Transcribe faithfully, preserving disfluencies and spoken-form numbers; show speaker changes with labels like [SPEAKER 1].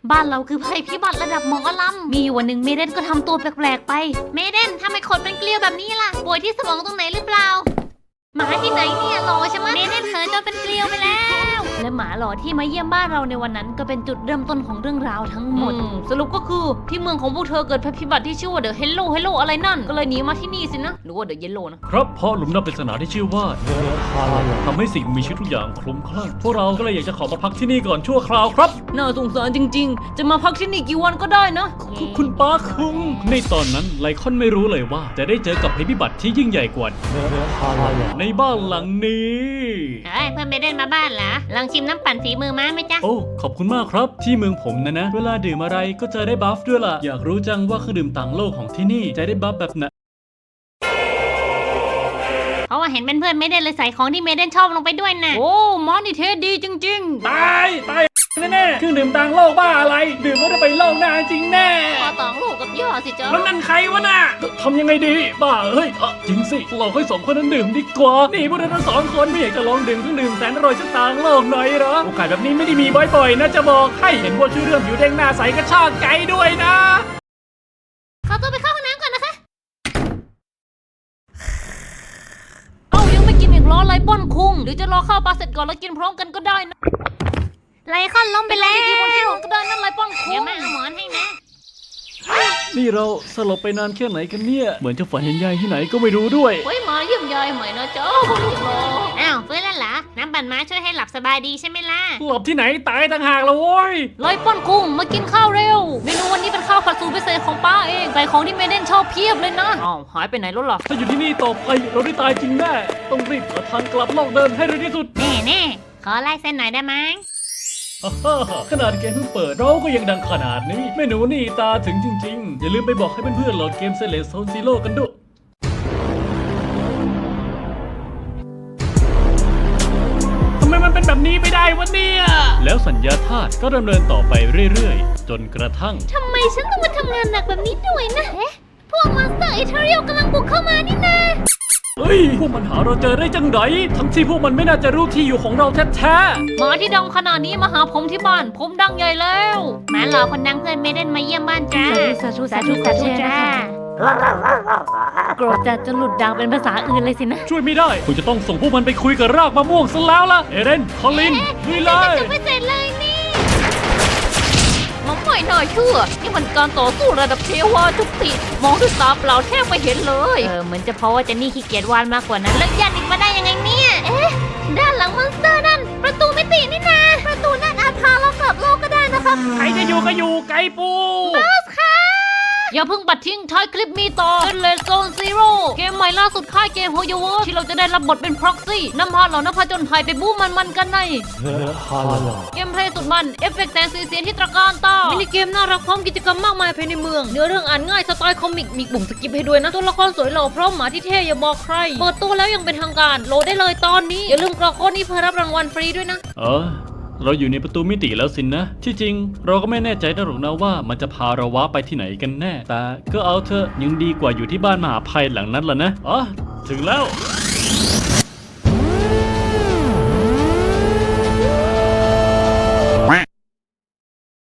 [SPEAKER 1] บ้านเราคือภัยพิบัติระดับหมอลำมีวันหนึ่งเมเดนก็ทำตัวแปลกๆไปเมเดนทำไมขนเป็นเกลียวแบบนี้ล่ะป่วยที่สมองตรงไหนหรือเปล่าหมาที่ไหนเนี่ยหล่อใช่ไหมเมเดนเขินจนเป็นเกลียวไปแล้วและหมาหล่อที่มาเยี่ยมบ้านเราในวันนั้นก็เป็นจุดเริ่มต้นของเรื่องราวทั้งหมดสรุปก็คือที่เมืองของพวกเธอเกิดภัยพิบัติที่ชื่อว่าเดอะเฮลโลเฮลโลอะไรนั่นก็เลยหนีมาที่นี่สินะหรือว่าเดอะเยลโลนะครับ
[SPEAKER 2] เพราะหลุมดำปริศนาที่ชื่อว่าเดอะคาร์ลทำให้สิ่งมีชีวิตทุกอย่างคลุ้มคลั่งพวกเราก็เลยอยากจะขอมาพักที่นี่ก่อนชั่วคราวครับ
[SPEAKER 1] น่าสงสารจริงๆจะมาพักที่นี่กี่วันก็ได้นะ
[SPEAKER 2] คุณป้าคุงในตอนนั้นไลคอนไม่รู้เลยว่าจะได้เจอกับภัยพิบัติที่ยิ่งใหญ่กว่าเดอะคาร์ลในบ้านหลังนี้
[SPEAKER 1] เฮ้ยเพื่อนไม่ได้มาบ้านเหรอลองชิมน้ำปั่นฝีมือม้าไหมจ๊ะ
[SPEAKER 2] โอ้ขอบคุณมากครับที่เมืองผมนะนะเวลาดื่มอะไรก็จะได้บัฟด้วยล่ะอยากรู้จังว่าเครื่องดื่มต่างโลกของที่นี่จะได้บัฟแบบไหน
[SPEAKER 1] เพราะว่าเห็นเป็นเพื่อนไม่ได้เลยใส่ของที่เมเดนชอบลงไปด้วยนะโอ้มอนี่เทสดีจริงๆ
[SPEAKER 2] ตายตายแน่ๆเครื่องดื่มต่างโลกบ้าอะไรดื่มก็จะไปโลกหน้าจริงแน่
[SPEAKER 1] พอต่างลูกกับย่อสิจ๊ะ
[SPEAKER 2] แล้วนั่นใครวะน่ะทำยังไงดีบ้าเฮ้ยจริงสิเราค่อยสองคนนั้นดื่มดีกว่านี่พวกเราทั้งสองคนไม่อยากจะลองดื่มเครื่องดื่มแสนอร่อยจากต่างโลกหน่อยเหรอโอกาสแบบนี้ไม่ได้มีบ่อยๆนะจะบอกให้เห็นว่าชื่อเรื่องผิวแดงหน้าใสกระชากใจด้วยนะ
[SPEAKER 1] ขอตัวไปเข้าห้องน้ำก่อนนะคะเอ้ายังไม่กินอีกล้อไรป้อนคุงหรือจะรอข้าวปลาเสร็จก่อนแล้วกินพร้อมกันก็ได้นะไลคอนล้มไปแล้วดีๆบนที่นอนก็ได้นั่นไรป้อนคุงเดี๋ยวแม่เอาหมอนให้นะ
[SPEAKER 2] นี่เราสลบไปนานแค่ไหนกันเนี่ยเหมือนจะฝันเห็นยายที่ไหนก็ไม่รู้ด้วย
[SPEAKER 1] เฮ้ยมาเยี่ยมยายใหม่นะจ๊ะอ้าวฟื้นแล้วเหรอน้ำปั่นม้าช่วยให้หลับสบายดีใช่ไหมล่ะ
[SPEAKER 2] หลับที่ไหนตายต่างหากละโว้ย
[SPEAKER 1] ไลป้อนคุงมากินข้าวเร็วเมนูวันนี้เป็นข้าวผัดสูตรพิเศษของป้าเองใส่ของที่เมเดนชอบเพียบเลยนะอ้าวหายไปไหนแล้วล่ะ
[SPEAKER 2] ถ้าอยู่ที่นี่ต่อไปเราได้ตายจริงแน่ต้องรีบหาทางกลับโลกเดิมให้เร็วที่สุด
[SPEAKER 1] แน่แน่ขอไล่เส้นหน่อยได้ไหม
[SPEAKER 2] ขนาดเกมเพิ่งเปิดเราก็ยังดังขนาดนี้แม่หนูนี่ตาถึงจริงๆอย่าลืมไปบอกให้เพื่อนๆโหลดเกมเซเลสโซนซีโร่กันด้วยทำไมมันเป็นแบบนี้ไม่ได้วะเนี่ยแล้วสัญญาธาตุก็ดำเนินต่อไปเรื่อยๆจนกระทั่ง
[SPEAKER 1] ทำไมฉันต้องมาทำงานหนักแบบนี้ด้วยนะเอ๊ะพวกมอนสเตอร์เอเทอเรียลกำลังบุกเข้ามานี่นะ
[SPEAKER 2] เฮ้ยพวกมันหาเราเจอได้จังไดทั้งที่พวกมันไม่น่าจะรู้ที่อยู่ของเราแท้
[SPEAKER 1] ๆหมาที่ดังขนาดนี้มาหาผมที่บ้านผมดังใหญ่แล้วหมาหล่อคนดังเพื่อนเมเดนมาเยี่ยมบ้านจ้าสาธุสาธุสาธุจ้าโกรธจัดจนหลุดดังเป็นภาษาอื่นเลยสินะ
[SPEAKER 2] ช่วยไม่ได้คุณจะต้องส่งพวกมันไปคุยกับรากมะม่วงซะแล้วล่ะเอเดนคอลลินลุยเลย
[SPEAKER 1] จะไม่เสร็จเลยนี่มันไม่น่าเชื่อนี่มันการต่อสู้ระดับเทวาทุกทีมองด้วยตาเปล่าแทบไม่เห็นเลยเออเหมือนจะเพราะว่าเจนนี่ขี้เกียจวาดมากกว่านั้นแล้วยันอีกมาได้ยังไงเนี่ยเอ๊ะด้านหลังมอนสเตอร์นั่นประตูมิตินี่นาประตูนั่นอาจพาเรากลับโลกก็ได้นะครับ
[SPEAKER 2] ใครจะอยู่ก็อยู่ไก่ปู
[SPEAKER 1] บอสค่ะอย่าเพิ่งปัดทิ้งท้ายคลิปมีต่อเป็นเลสโซนซีโร่เกมใหม่ล่าสุดค่ายเกมโฮโยเวิร์ที่เราจะได้รับบทเป็นพ็อกซี่นำพาเหล่านักผจญภัยไปบู๊มันๆกันในเกมเพลย์สุดมันเอฟเฟกต์แสงสีเสียงที่ตระการตามินิเกมน่ารักพร้อมกิจกรรมมากมายภายในเมืองเนื้อเรื่องอ่านง่ายสไตล์คอมิกมีปุ่มสกิปให้ด้วยนะตัวละครสวยหล่อพร้อมหมาที่เท่อย่าบอกใครเปิดตัวแล้วยังเป็นทางการโหลดได้เลยตอนนี้อย่าลืมกรอกโค้ดนี้เพื่อรับรางวัลฟรีด้วยนะ
[SPEAKER 2] เออเราอยู่ในประตูมิติแล้วสินนะที่จริงเราก็ไม่แน่ใจนะหรอกนะว่ามันจะพาเราว้าไปที่ไหนกันแน่แต่ก็เอาเถอะยังดีกว่าอยู่ที่บ้านมหาภัยหลังนั้นล่ะนะอ๋อถึงแล้ว